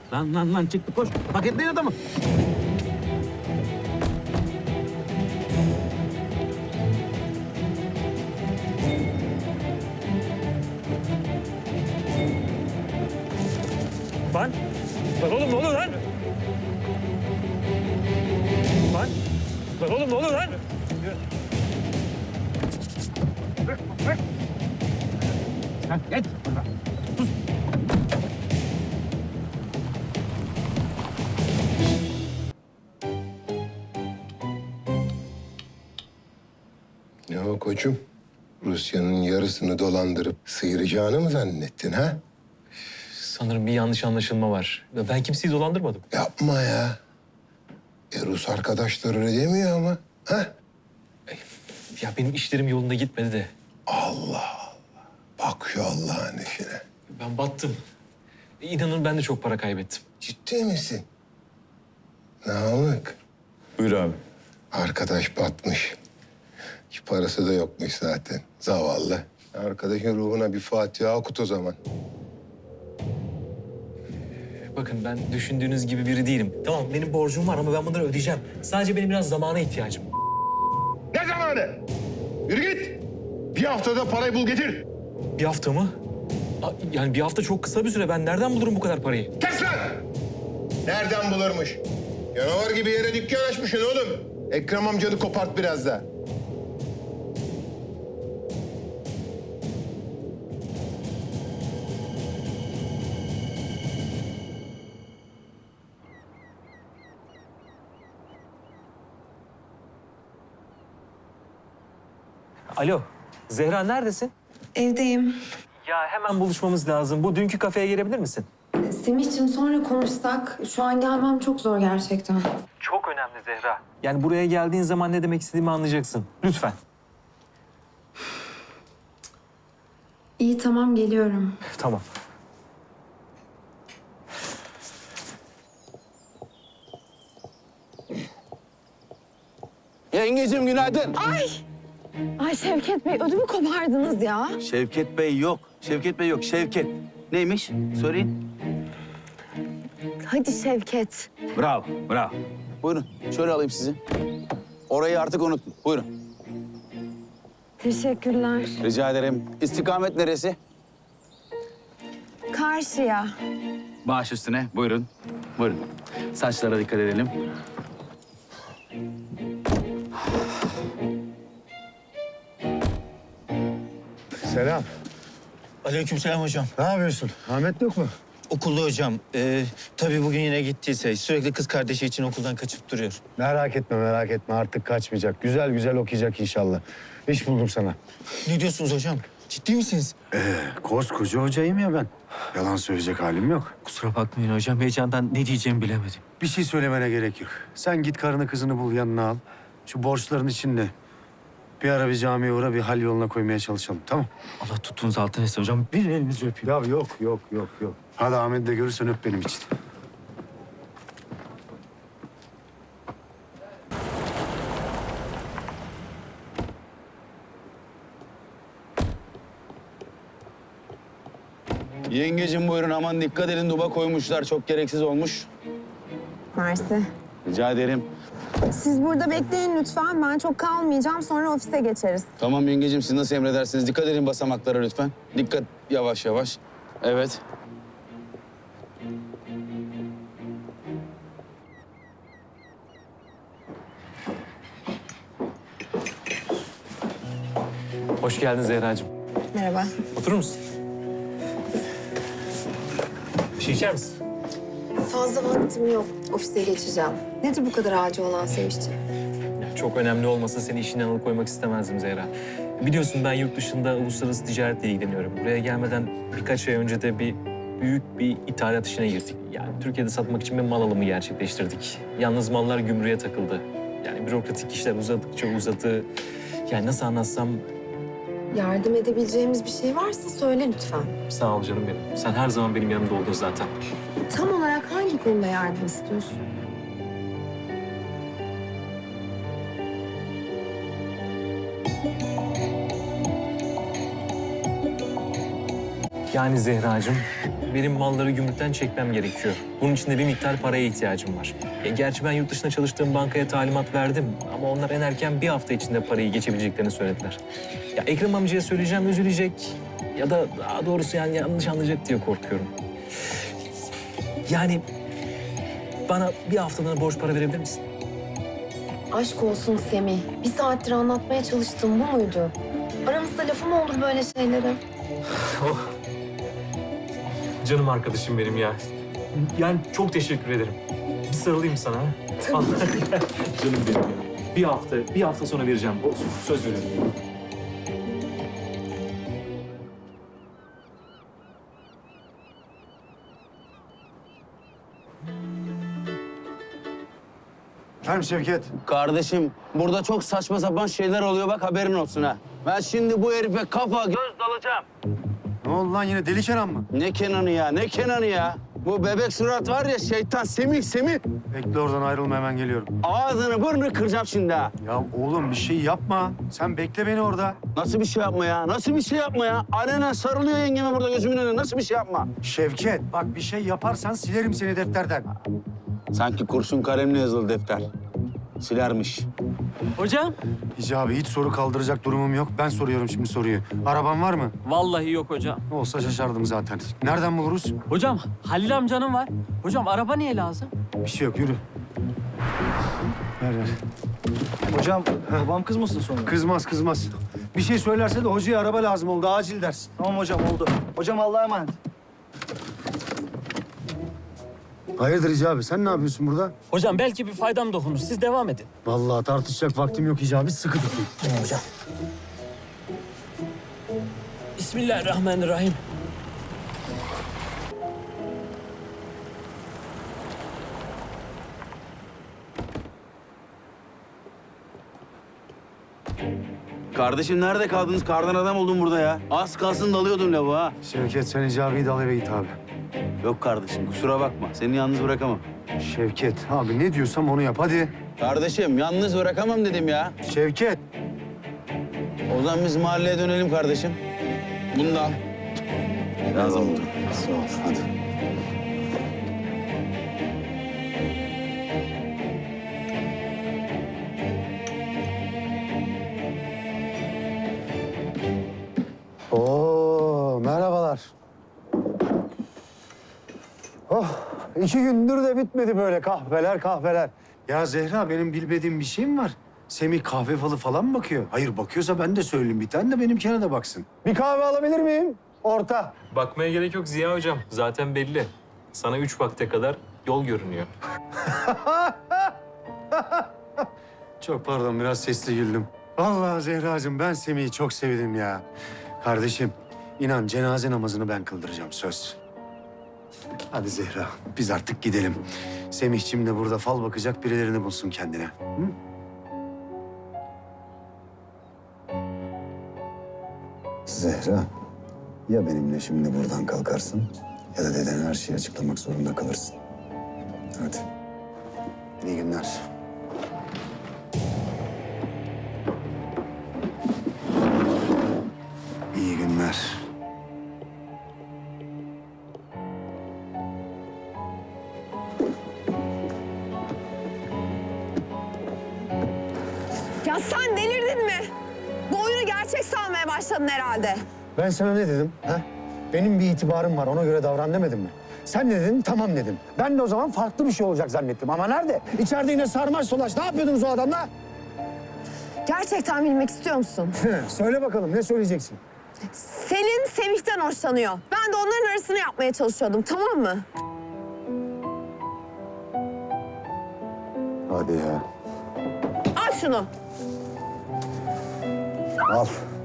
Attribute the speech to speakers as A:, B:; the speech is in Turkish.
A: Lan çıktı koş. Paketleyin adamı.
B: Lan oğlum ne oluyor lan? Lan oğlum ne oluyor lan?
A: Lan geç. Sus.
C: Ne o koçum? Rusya'nın yarısını dolandırıp sıyıracağını mı zannettin ha?
B: Sanırım bir yanlış anlaşılma var. Ben kimseyi dolandırmadım.
C: Yapma ya. Rus arkadaşlar öyle demiyor ama. Ha?
B: Ya benim işlerim yolunda gitmedi de.
C: Allah. Bak şu Allah'ın işine.
B: Ben battım. İnanın ben de çok para kaybettim.
C: Ciddi misin? Namık.
D: Buyur abi.
C: Arkadaş batmış. Hiç parası da yokmuş zaten. Zavallı. Arkadaşın ruhuna bir Fatiha okut o zaman.
B: Bakın ben düşündüğünüz gibi biri değilim. Tamam benim borcum var ama ben bunları ödeyeceğim. Sadece benim biraz zamana ihtiyacım.
C: Ne zamanı? Yürü git. Bir haftada parayı bul getir.
B: Bir hafta mı? Yani bir hafta çok kısa bir süre. Ben nereden bulurum bu kadar parayı?
C: Kes lan! Nereden bulurmuş? Canavar gibi yere dükkan açmışsın oğlum. Ekrem amcanı kopart biraz da.
B: Alo, Zehra neredesin?
E: Evdeyim.
B: Ya hemen buluşmamız lazım. Bu dünkü kafeye gelebilir misin?
E: Semih'ciğim sonra konuşsak. Şu an gelmem çok zor gerçekten.
B: Çok önemli Zehra. Yani buraya geldiğin zaman ne demek istediğimi anlayacaksın. Lütfen.
E: İyi tamam geliyorum.
B: Tamam.
F: Yengeciğim günaydın.
G: Ay Şevket Bey ödümü kopardınız ya.
F: Şevket Bey yok. Şevket Bey yok. Şevket. Neymiş? Söyleyin.
G: Hadi Şevket.
F: Bravo, bravo. Buyurun. Şöyle alayım sizi. Orayı artık unutun. Buyurun.
G: Teşekkürler.
F: Rica ederim. İstikamet neresi?
G: Karşıya.
F: Baş üstüne. Buyurun. Buyurun. Saçlara dikkat edelim.
H: Selam.
I: Aleykümselam hocam.
H: Ne yapıyorsun? Ahmet yok mu?
I: Okulda hocam. Tabii bugün yine gittiyse sürekli kız kardeşi için okuldan kaçıp duruyor.
H: Merak etme, merak etme. Artık kaçmayacak. Güzel güzel okuyacak inşallah. İş buldum sana.
I: Ne diyorsunuz hocam? Ciddi misiniz?
H: Koskoca hocayım ya ben. Yalan söyleyecek halim yok.
B: Kusura bakmayın hocam. Heyecandan ne diyeceğimi bilemedim.
H: Bir şey söylemene gerek yok. Sen git karını kızını bul, yanına al. Şu borçların içinde bir ara bir camiye uğra, bir hal yoluna koymaya çalışalım, tamam?
B: Allah tuttuğunuz altın etsin hocam. Bir elinizi öpeyim.
H: Ya yok. Hadi Ahmet'i de görürsen öp benim için.
F: Yengeciğim buyurun. Aman dikkat edin. Duba koymuşlar. Çok gereksiz olmuş.
G: Mersi.
F: Rica ederim.
G: Siz burada bekleyin lütfen. Ben çok kalmayacağım. Sonra ofise geçeriz.
F: Tamam yengeciğim. Siz nasıl emredersiniz? Dikkat edin basamaklara lütfen. Dikkat. Yavaş yavaş. Evet.
B: Hoş geldin Zehracığım.
G: Merhaba.
B: Oturur musun? Bir şey içer misin?
E: Fazla vaktim yok. Ofise geçeceğim. Nedir bu kadar acil olan Semih'ciğim?
B: Çok önemli olmasa seni işinden alıkoymak istemezdim Zehra. Biliyorsun ben yurt dışında uluslararası ticaretle ilgileniyorum. Buraya gelmeden birkaç ay önce de büyük bir ithalat işine girdik. Yani Türkiye'de satmak için bir mal alımı gerçekleştirdik. Yalnız mallar gümrüğe takıldı. Yani bürokratik işler uzadıkça uzadı. Yani nasıl anlatsam
E: Yardım edebileceğimiz bir şey varsa söyle lütfen.
B: sağ ol canım benim. Sen her zaman benim yanımda oldun zaten.
E: Tam olarak hangi konuda yardım istiyorsun?
B: Yani Zehracığım benim malları gümrükten çekmem gerekiyor. Bunun için de bir miktar paraya ihtiyacım var. Gerçi ben yurt dışında çalıştığım bankaya talimat verdim ama onlar en erken bir hafta içinde parayı geçebileceklerini söylediler. Ya Ekrem amcaya söyleyeceğim, üzülecek ya da daha doğrusu yani yanlış anlayacak diye korkuyorum. Yani bana bir haftalığına borç para verebilir misin?
E: Aşk olsun Semih. Bir saattir anlatmaya çalıştığım bu muydu? Aramızda lafı mı olur böyle şeylere?
B: Canım arkadaşım benim ya. Yani çok teşekkür ederim. Bir sarılayım sana. Canım benim ya. Bir hafta sonra vereceğim. Söz veriyorum.
H: Efendim Şevket.
F: Kardeşim burada çok saçma sapan şeyler oluyor bak haberin olsun ha. Ben şimdi bu herife kafa göz dalacağım.
H: Ne oldu lan yine deli Kenan mı?
F: Ne Kenan'ı ya ne Kenan'ı ya. Bu bebek surat var ya şeytan Semih.
H: Bekle oradan ayrılma hemen geliyorum.
F: Ağzını burnunu kıracağım şimdi ha.
H: Ya oğlum bir şey yapma. Sen bekle beni orada.
F: Nasıl bir şey yapma ya? Nasıl bir şey yapma ya? Alenen sarılıyor yengeme burada gözümün önüne. Nasıl bir şey yapma?
H: Şevket bak bir şey yaparsan silerim seni defterden.
F: Sanki kurşun kalemle yazılı defter. Silermiş.
D: Hocam?
H: Hicabi hiç soru kaldıracak durumum yok. Ben soruyorum şimdi soruyu. Araban var mı?
D: Vallahi yok hocam.
H: Olsa şaşardım zaten. Nereden buluruz?
D: Hocam Halil amcanın var. Hocam araba niye lazım?
H: Bir şey yok yürü. Ver.
J: Hocam babam kızmasın sonra.
H: Kızmaz. Bir şey söylerse de hocaya araba lazım oldu. Acil dersin.
J: Tamam hocam oldu. Hocam Allah'a emanet.
H: Hayırdır Hicabi? Sen ne yapıyorsun burada?
D: Hocam belki bir faydam dokunur. Siz devam edin.
H: Vallahi tartışacak vaktim yok Hicabi. Sıkı tutun.
D: Hocam. Bismillahirrahmanirrahim.
F: Kardeşim nerede kaldınız? Kardan adam oldum burada ya. Az kalsın dalıyordum lavuğa.
H: Şevket sen Hicabi'yi de al eve git abi.
F: Yok kardeşim kusura bakma. Seni yalnız bırakamam.
H: Şevket abi ne diyorsam onu yap hadi.
F: Kardeşim yalnız bırakamam dedim ya.
H: Şevket.
F: O zaman biz mahalleye dönelim kardeşim. Bunu da al. Lazım oldu. Sağ ol. Hadi.
H: Oo merhabalar. Oh 2 gündür de bitmedi böyle kahveler. Ya Zehra benim bilmediğim bir şey mi var? Semih kahve falı falan mı bakıyor? Hayır bakıyorsa ben de söyleyeyim bir tane de benimkine de baksın. Bir kahve alabilir miyim? Orta.
B: Bakmaya gerek yok Ziya Hocam. Zaten belli. Sana 3 vakte kadar yol görünüyor.
H: Çok pardon biraz sesli güldüm. Vallahi Zehracığım ben Semih'i çok sevdim ya. Kardeşim inan cenaze namazını ben kıldıracağım söz. Hadi Zehra biz artık gidelim. Semih'cim de burada fal bakacak birilerini bulsun kendine. Hı?
K: Zehra, ya benimle şimdi buradan kalkarsın ya da dedene her şeyi açıklamak zorunda kalırsın. Hadi.
H: İyi günler. İyi günler.
G: Ya sen delirdin mi? Bu oyunu gerçek sanmaya başladın herhalde.
H: Ben sana ne dedim? Ha? Benim bir itibarım var ona göre davran demedim mi? Sen ne dedin? Tamam dedim. Ben de o zaman farklı bir şey olacak zannettim. Ama nerede? İçeride yine sarmaş dolaş. Ne yapıyordunuz o adamla?
G: Gerçekten bilmek istiyor musun?
H: Söyle bakalım ne söyleyeceksin?
G: Selin Semih'ten hoşlanıyor. Ben de onların arasını yapmaya çalışıyordum, tamam mı?
K: Hadi ya.
G: Al şunu.
K: Al.